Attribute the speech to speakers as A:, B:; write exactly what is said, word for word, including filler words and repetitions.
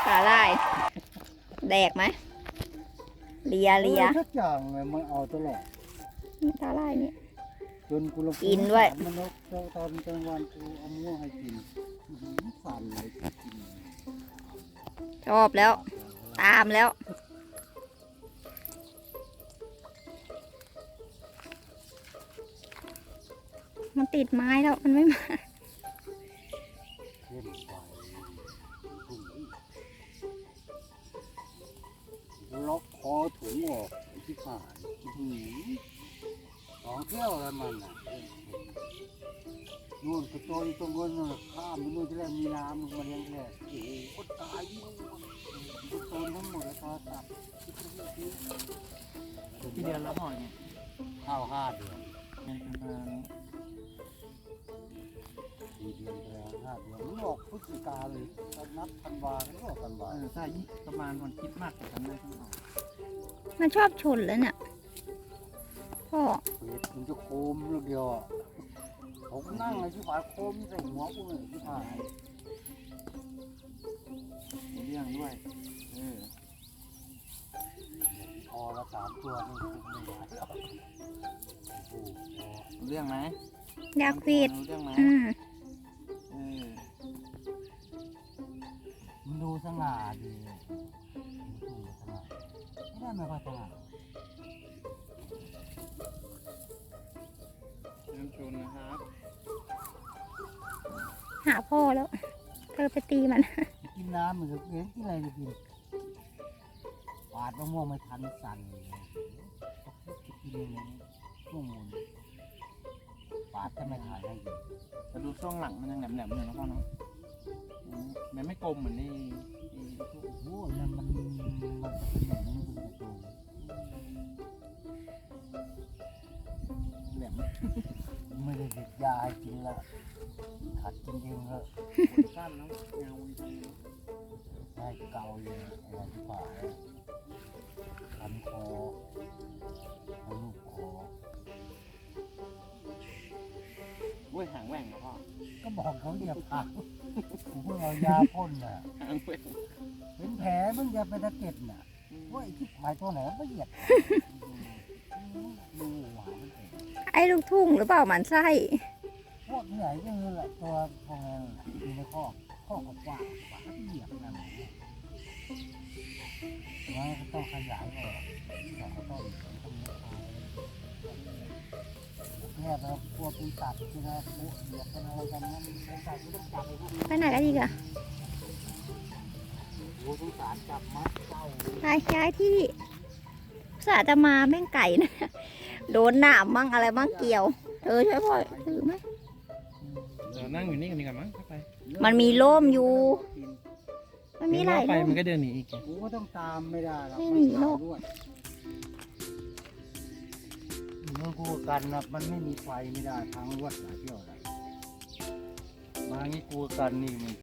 A: สาหร่ายแดกไหมเลียเลีย
B: ทุกอย่างเลยมันเอาตลอด
A: สาหร่ายนี่
B: จนกูลง
A: กินด้วย
B: มันนกเจ้าตอนกลางวันกูเอาม่วงให้กินสั่นเลยกิน
A: ชอบแล้ว ตามแล้วมันติดไม้แล้วมันไม่มา
B: เข้มไปล็อกคอถุงออกที่ขาดสองเที่ยวแล้วมันอ่ะนู่นกระโจนตรงนู้นข้ามไปนู่นที่แรกมีน้ำมันมาเลี้ยงแรกโอ้โหก็ตายที่นู่นกระโจนทั้งหมดเลยโทรศัพท์
C: กี่เดือนแล้วพ่อเนี่ย
B: ข้าวห้าเดือน
C: เป็นประมาณ
B: สี่เดือนแล้วห้าเดือนมันออกพฤศจิกาเลยนับธันวาก็ออกธันวา
C: เออใช่ประมาณวันคริดมากกว่ากันได้ทั้งหมด
A: มันชอบชนแล้วเนี่ยพ่อ
B: เห็ดมันจะโคมลูกเดียวอ่ะผมนั่งเลยที่ฝาโคมใส่หัวกูเลยที่ฝา
C: มีเรื่องด้วยเออ
B: พอละสามตัวนี่คุมไม่ไหวโอ้โห
C: รู้เรื่องไหม
A: อยากฟีด
C: รู้เรื่องไหม
A: อืม
C: เออ
B: มันดูสง่าดีเลยดูสง่าไม่ได้ไม่ค่อยสง่า
C: น้ำชนนะครับ
A: หาพ่อแล้วเธอไปตีมัน
B: กินน้ำมันจะเลี้ยงที่อะไรจะกินปาดมะม่วงไม่ทันสั่นเลยจะกินยังไงช่วงมูลปาดถ้าไม่ขายให้กิน
C: แต่ดูช่วงหลังมันยังแหลมๆอยู่นะพ่อเนาะอืมมันไม่กลมเหมือนนี่นี่ทุก
B: โอ้ยนั่นมันมันจะเป็นอย่างนี้มันจะโต
C: แหลม
B: ไม่ได้เด็ดยาให้กินละขัดกินเองเลย
C: คนสั้นแล้วเงาดี
B: ได้เกาเลยอะไรที่ผ่าคันคอเอาลูกคอ
C: อุ้ยหางแหว่งนะพ่อ
B: ก็บอกเขาเรียบผักผมเพิ่งเอายาพ่นน่ะ
C: หางแหว่ง
B: เป็นแผลมึงจะไปตะเก็ดน่ะว่าไอ้ที่ผายตัวไหนมันเหยียดดูหวานมันเอง
A: ไอ้ลูกทุ่งหรือเปล่าหมันไส้
B: พวกใหญ่ก็คือแหละตัวพองอยู่ในข้อข้อกว้างกว่าเหยียบนั่นแล้วก็ต้องขยายออกสองต้นสองต้นนี้เนี่ยเรากลัวเป็นตัดใช่ไหมพวกเหยียบเป็นอะไรกันนั้นเป็นตัดก็ต้องจับไอ้พวกนี้
A: ไปไหนกันอีกอะ
B: โอ้สงสารจับมัดเจ้า
A: ย้ายย้ายที่สาจะมาแม่งไก่นะ โดนหนามมั่งอะไรมั่งเกี่ยว เธอช่วยพ่อถือไหม
C: เดี๋ยวนั่งอยู่นี่กันดีกว่ามั้งเข้าไป
A: มันมีร่มอยู่ มันมีหลาย
C: ไป
A: ร่ม
C: มันก็เดินหนีอีก
B: กูก็ต้องตามไม่ได้หรอก
A: ไม่หนีหรอก
B: ด้วยเมื่อกูกันนะมันไม่มีไฟไม่ได้ทางรวดหลายเที่ยวเลยมางี้กูกันนี่มัน